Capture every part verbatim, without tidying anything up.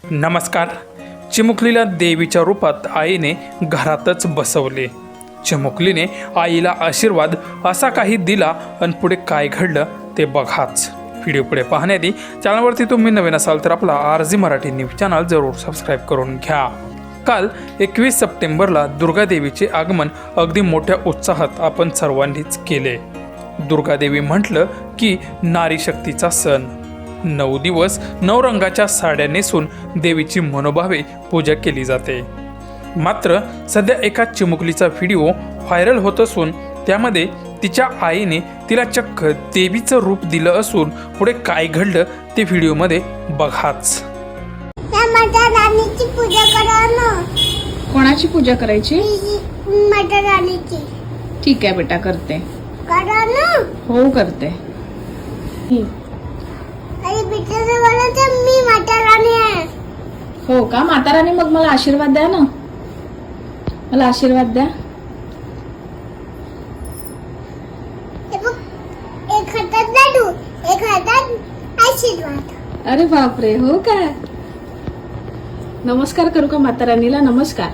नमस्कार. चिमुकलीला देवीच्या रूपात आईने घरातच बसवले. चिमुकलीने आईला आशीर्वाद असा काही दिला आणि पुढे काय घडलं ते बघाच. व्हिडिओ पुढे पाहण्याआधी चॅनलवरती तुम्ही नवीन असाल तर आपला R G Marathi news channel जरूर सबस्क्राईब करून घ्या. काल एकवीस सप्टेंबरला दुर्गादेवीचे आगमन अगदी मोठ्या उत्साहात आपण सर्वांनीच केले. दुर्गादेवी म्हटलं की नारी शक्तीचा सण. नऊ दिवस नऊ रंगाच्या साड्या नेसून देवीची मनोभावे पूजा केली जाते. मात्र सध्या एका चिमुकलीचा व्हिडिओ व्हायरल होत असून त्यामध्ये तिच्या आईने तिला चक्क देवीचं रूप दिलं असून पुढे काय घडलं ते व्हिडिओमध्ये बघाच. माता राणीची पूजा करा ना. कोणाची पूजा करायची? माता राणीची. ठीक आहे बेटा, करते. करा ना. हो करते. अरे बेटा बोलत मी माता राणी आहे. हो का? माता राणी, मग मला आशीर्वाद द्या ना. मला आशीर्वाद द्या. एक हातात लाडू, एक हातात आशीर्वाद. अरे बापरे, हो का? नमस्कार करू का माता राणीला? नमस्कार.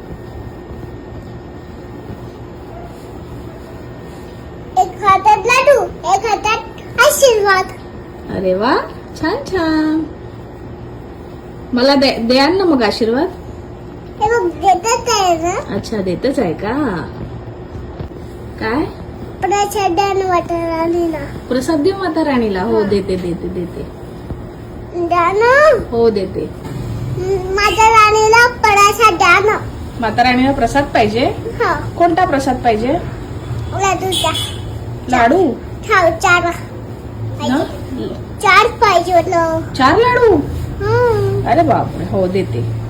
एक हातात लाडू, एक हातात आशीर्वाद. अरे वा, छान छान. मला द्या ना मग आशीर्वाद. हे बघ देतच आहे ना. अच्छा, देतच आहे का? काय प्रसाद माता राणीला. प्रसाद देऊ माता राणीला? हो देते देते देते. द्या ना. हो देते. माता राणीला प्रसाद द्या ना. माता राणीला प्रसाद पाहिजे? हो. कोणता प्रसाद पाहिजे? लाडूचा. लाडू? हो, चार ना? चार पाहिजे होतं. चार लाडू? हम्म. अरे बापरे, हो देते.